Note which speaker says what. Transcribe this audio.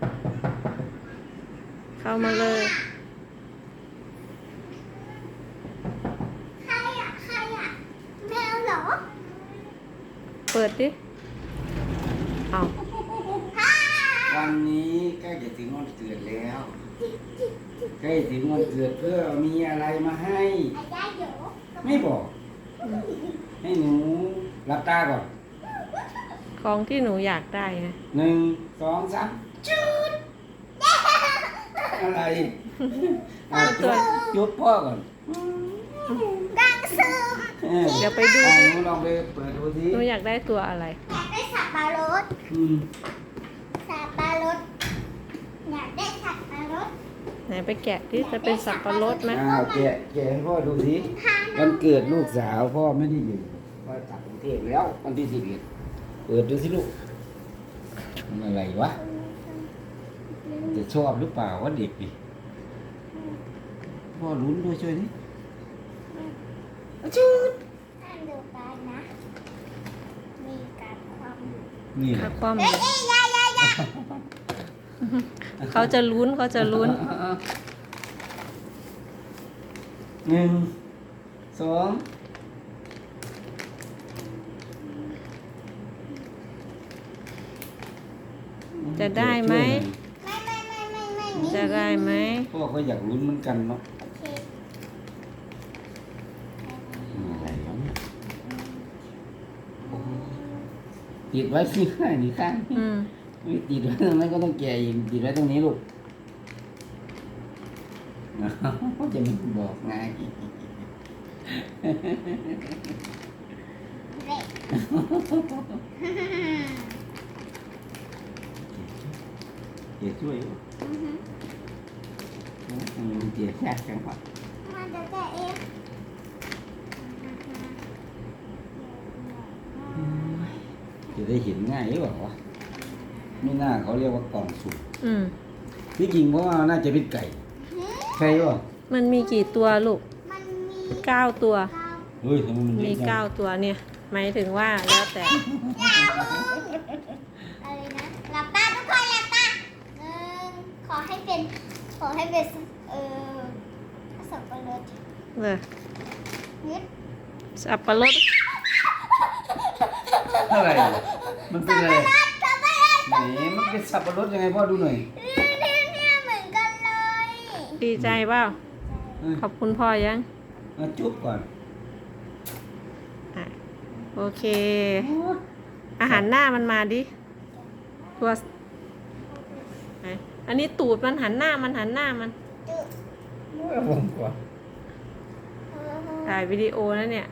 Speaker 1: เข้ามาเลย
Speaker 2: ใครอ่ะแมวเหรอ
Speaker 1: เปิดดิเอา
Speaker 3: วันนี้ใกล้จะถึงวันเกิดแล้ว ใกล้ถึงวันเกิดเพื่อมีอะไรมาให้
Speaker 2: อายาเดี๋ยว
Speaker 3: ไม่บอก ให้หนูรับตาก่อน
Speaker 1: ของที่หนูอยากได้ไง
Speaker 3: 1 2 3จุดอะไรจุดพ่อก่อน
Speaker 2: ดังซึม
Speaker 1: เดี๋ยวไปดู
Speaker 3: หนูลองไปเปิดดูสิ
Speaker 1: หนูอยากได้ตัวอะไร
Speaker 2: อยากได้สับปะรด
Speaker 3: อืม
Speaker 2: สับปะรดอยากได้สับปะรด
Speaker 1: ไหนไปแกะดิจะเป็นสับปะรดไหม
Speaker 3: แกะให้พ่อดูสิวันเกิดลูกสาวพ่อไม่ได้อยู่พ่อกลับกรุงเทพแล้ววันที่11เปิดดูสิลูกมันอะไรวะจะชอบหรือเปล่าวะเด็กดิพ่อลุ้นด้วยช่วยดิจุด
Speaker 2: ท่านดูกันนะ มีการความ
Speaker 3: นี่แหละ
Speaker 1: ความ
Speaker 2: เอ้ยยาย
Speaker 1: เขาจะลุ้นเขาจะลุ้น
Speaker 3: 1 2
Speaker 1: จะได้ไหม
Speaker 2: ไม่
Speaker 1: จะได้ไหม
Speaker 3: พ่อก็อยากลุ้นเหมือนกันเนาะ
Speaker 2: โอเค
Speaker 3: อะไรวะเนี่ยโอ้ติดไว้ที่ข้างนี่ข้าง
Speaker 1: อืม
Speaker 3: ไม่ติดไว้ตรงนั้นก็ต้องแกะอีกติดไว้ตรงนี้ลูกจะไม่บอกไง
Speaker 2: เด็ก
Speaker 3: เดี๋ยวช่วยลูกเดี๋ยวแทรกจังหวะ
Speaker 2: มันจะแกะเอง
Speaker 3: จะได้เห็นง่ายหรือเปล่าวะไม่น่าเขาเรียกว่ากล่องสุ่ม
Speaker 1: อืม
Speaker 3: ที่จริงเพราะว่าน่าจะเป็นไก่ใช่ป่ะ
Speaker 1: มันมีกี่ตัวลูก
Speaker 2: มันมี
Speaker 1: 9 ตัว
Speaker 2: ข้าว
Speaker 3: เฮ้ยทำไมมันเย
Speaker 1: มี
Speaker 3: อะจัง
Speaker 1: 9 ตัวเนี่ย หมายถึงว่าแล้วแต่
Speaker 2: อะไรนะหลับตาทุกคนหลับตาขอให้เป็นสับปะรด
Speaker 1: เลย
Speaker 2: นิด
Speaker 1: สับปะรด
Speaker 3: อะไรมันเป็นอะไร
Speaker 2: สับปะรด
Speaker 3: ไหนมันเป็นสับปะรดยังไงพ่อดูหน่อย
Speaker 2: เนี่ยเหมือนกันเลย
Speaker 1: ดีใจเปล่า
Speaker 3: เออ
Speaker 1: ขอบคุณพ่อยัง
Speaker 3: มาจุ๊บก่อน
Speaker 1: อ่ะโอเค อาหารหน้ามันมาดิตัวไหนอันนี้ตูดมันหันหน้ามัน
Speaker 2: จุ๊บ
Speaker 3: ผมก่อน
Speaker 1: ถ่ายวิดีโอนะเนี่ย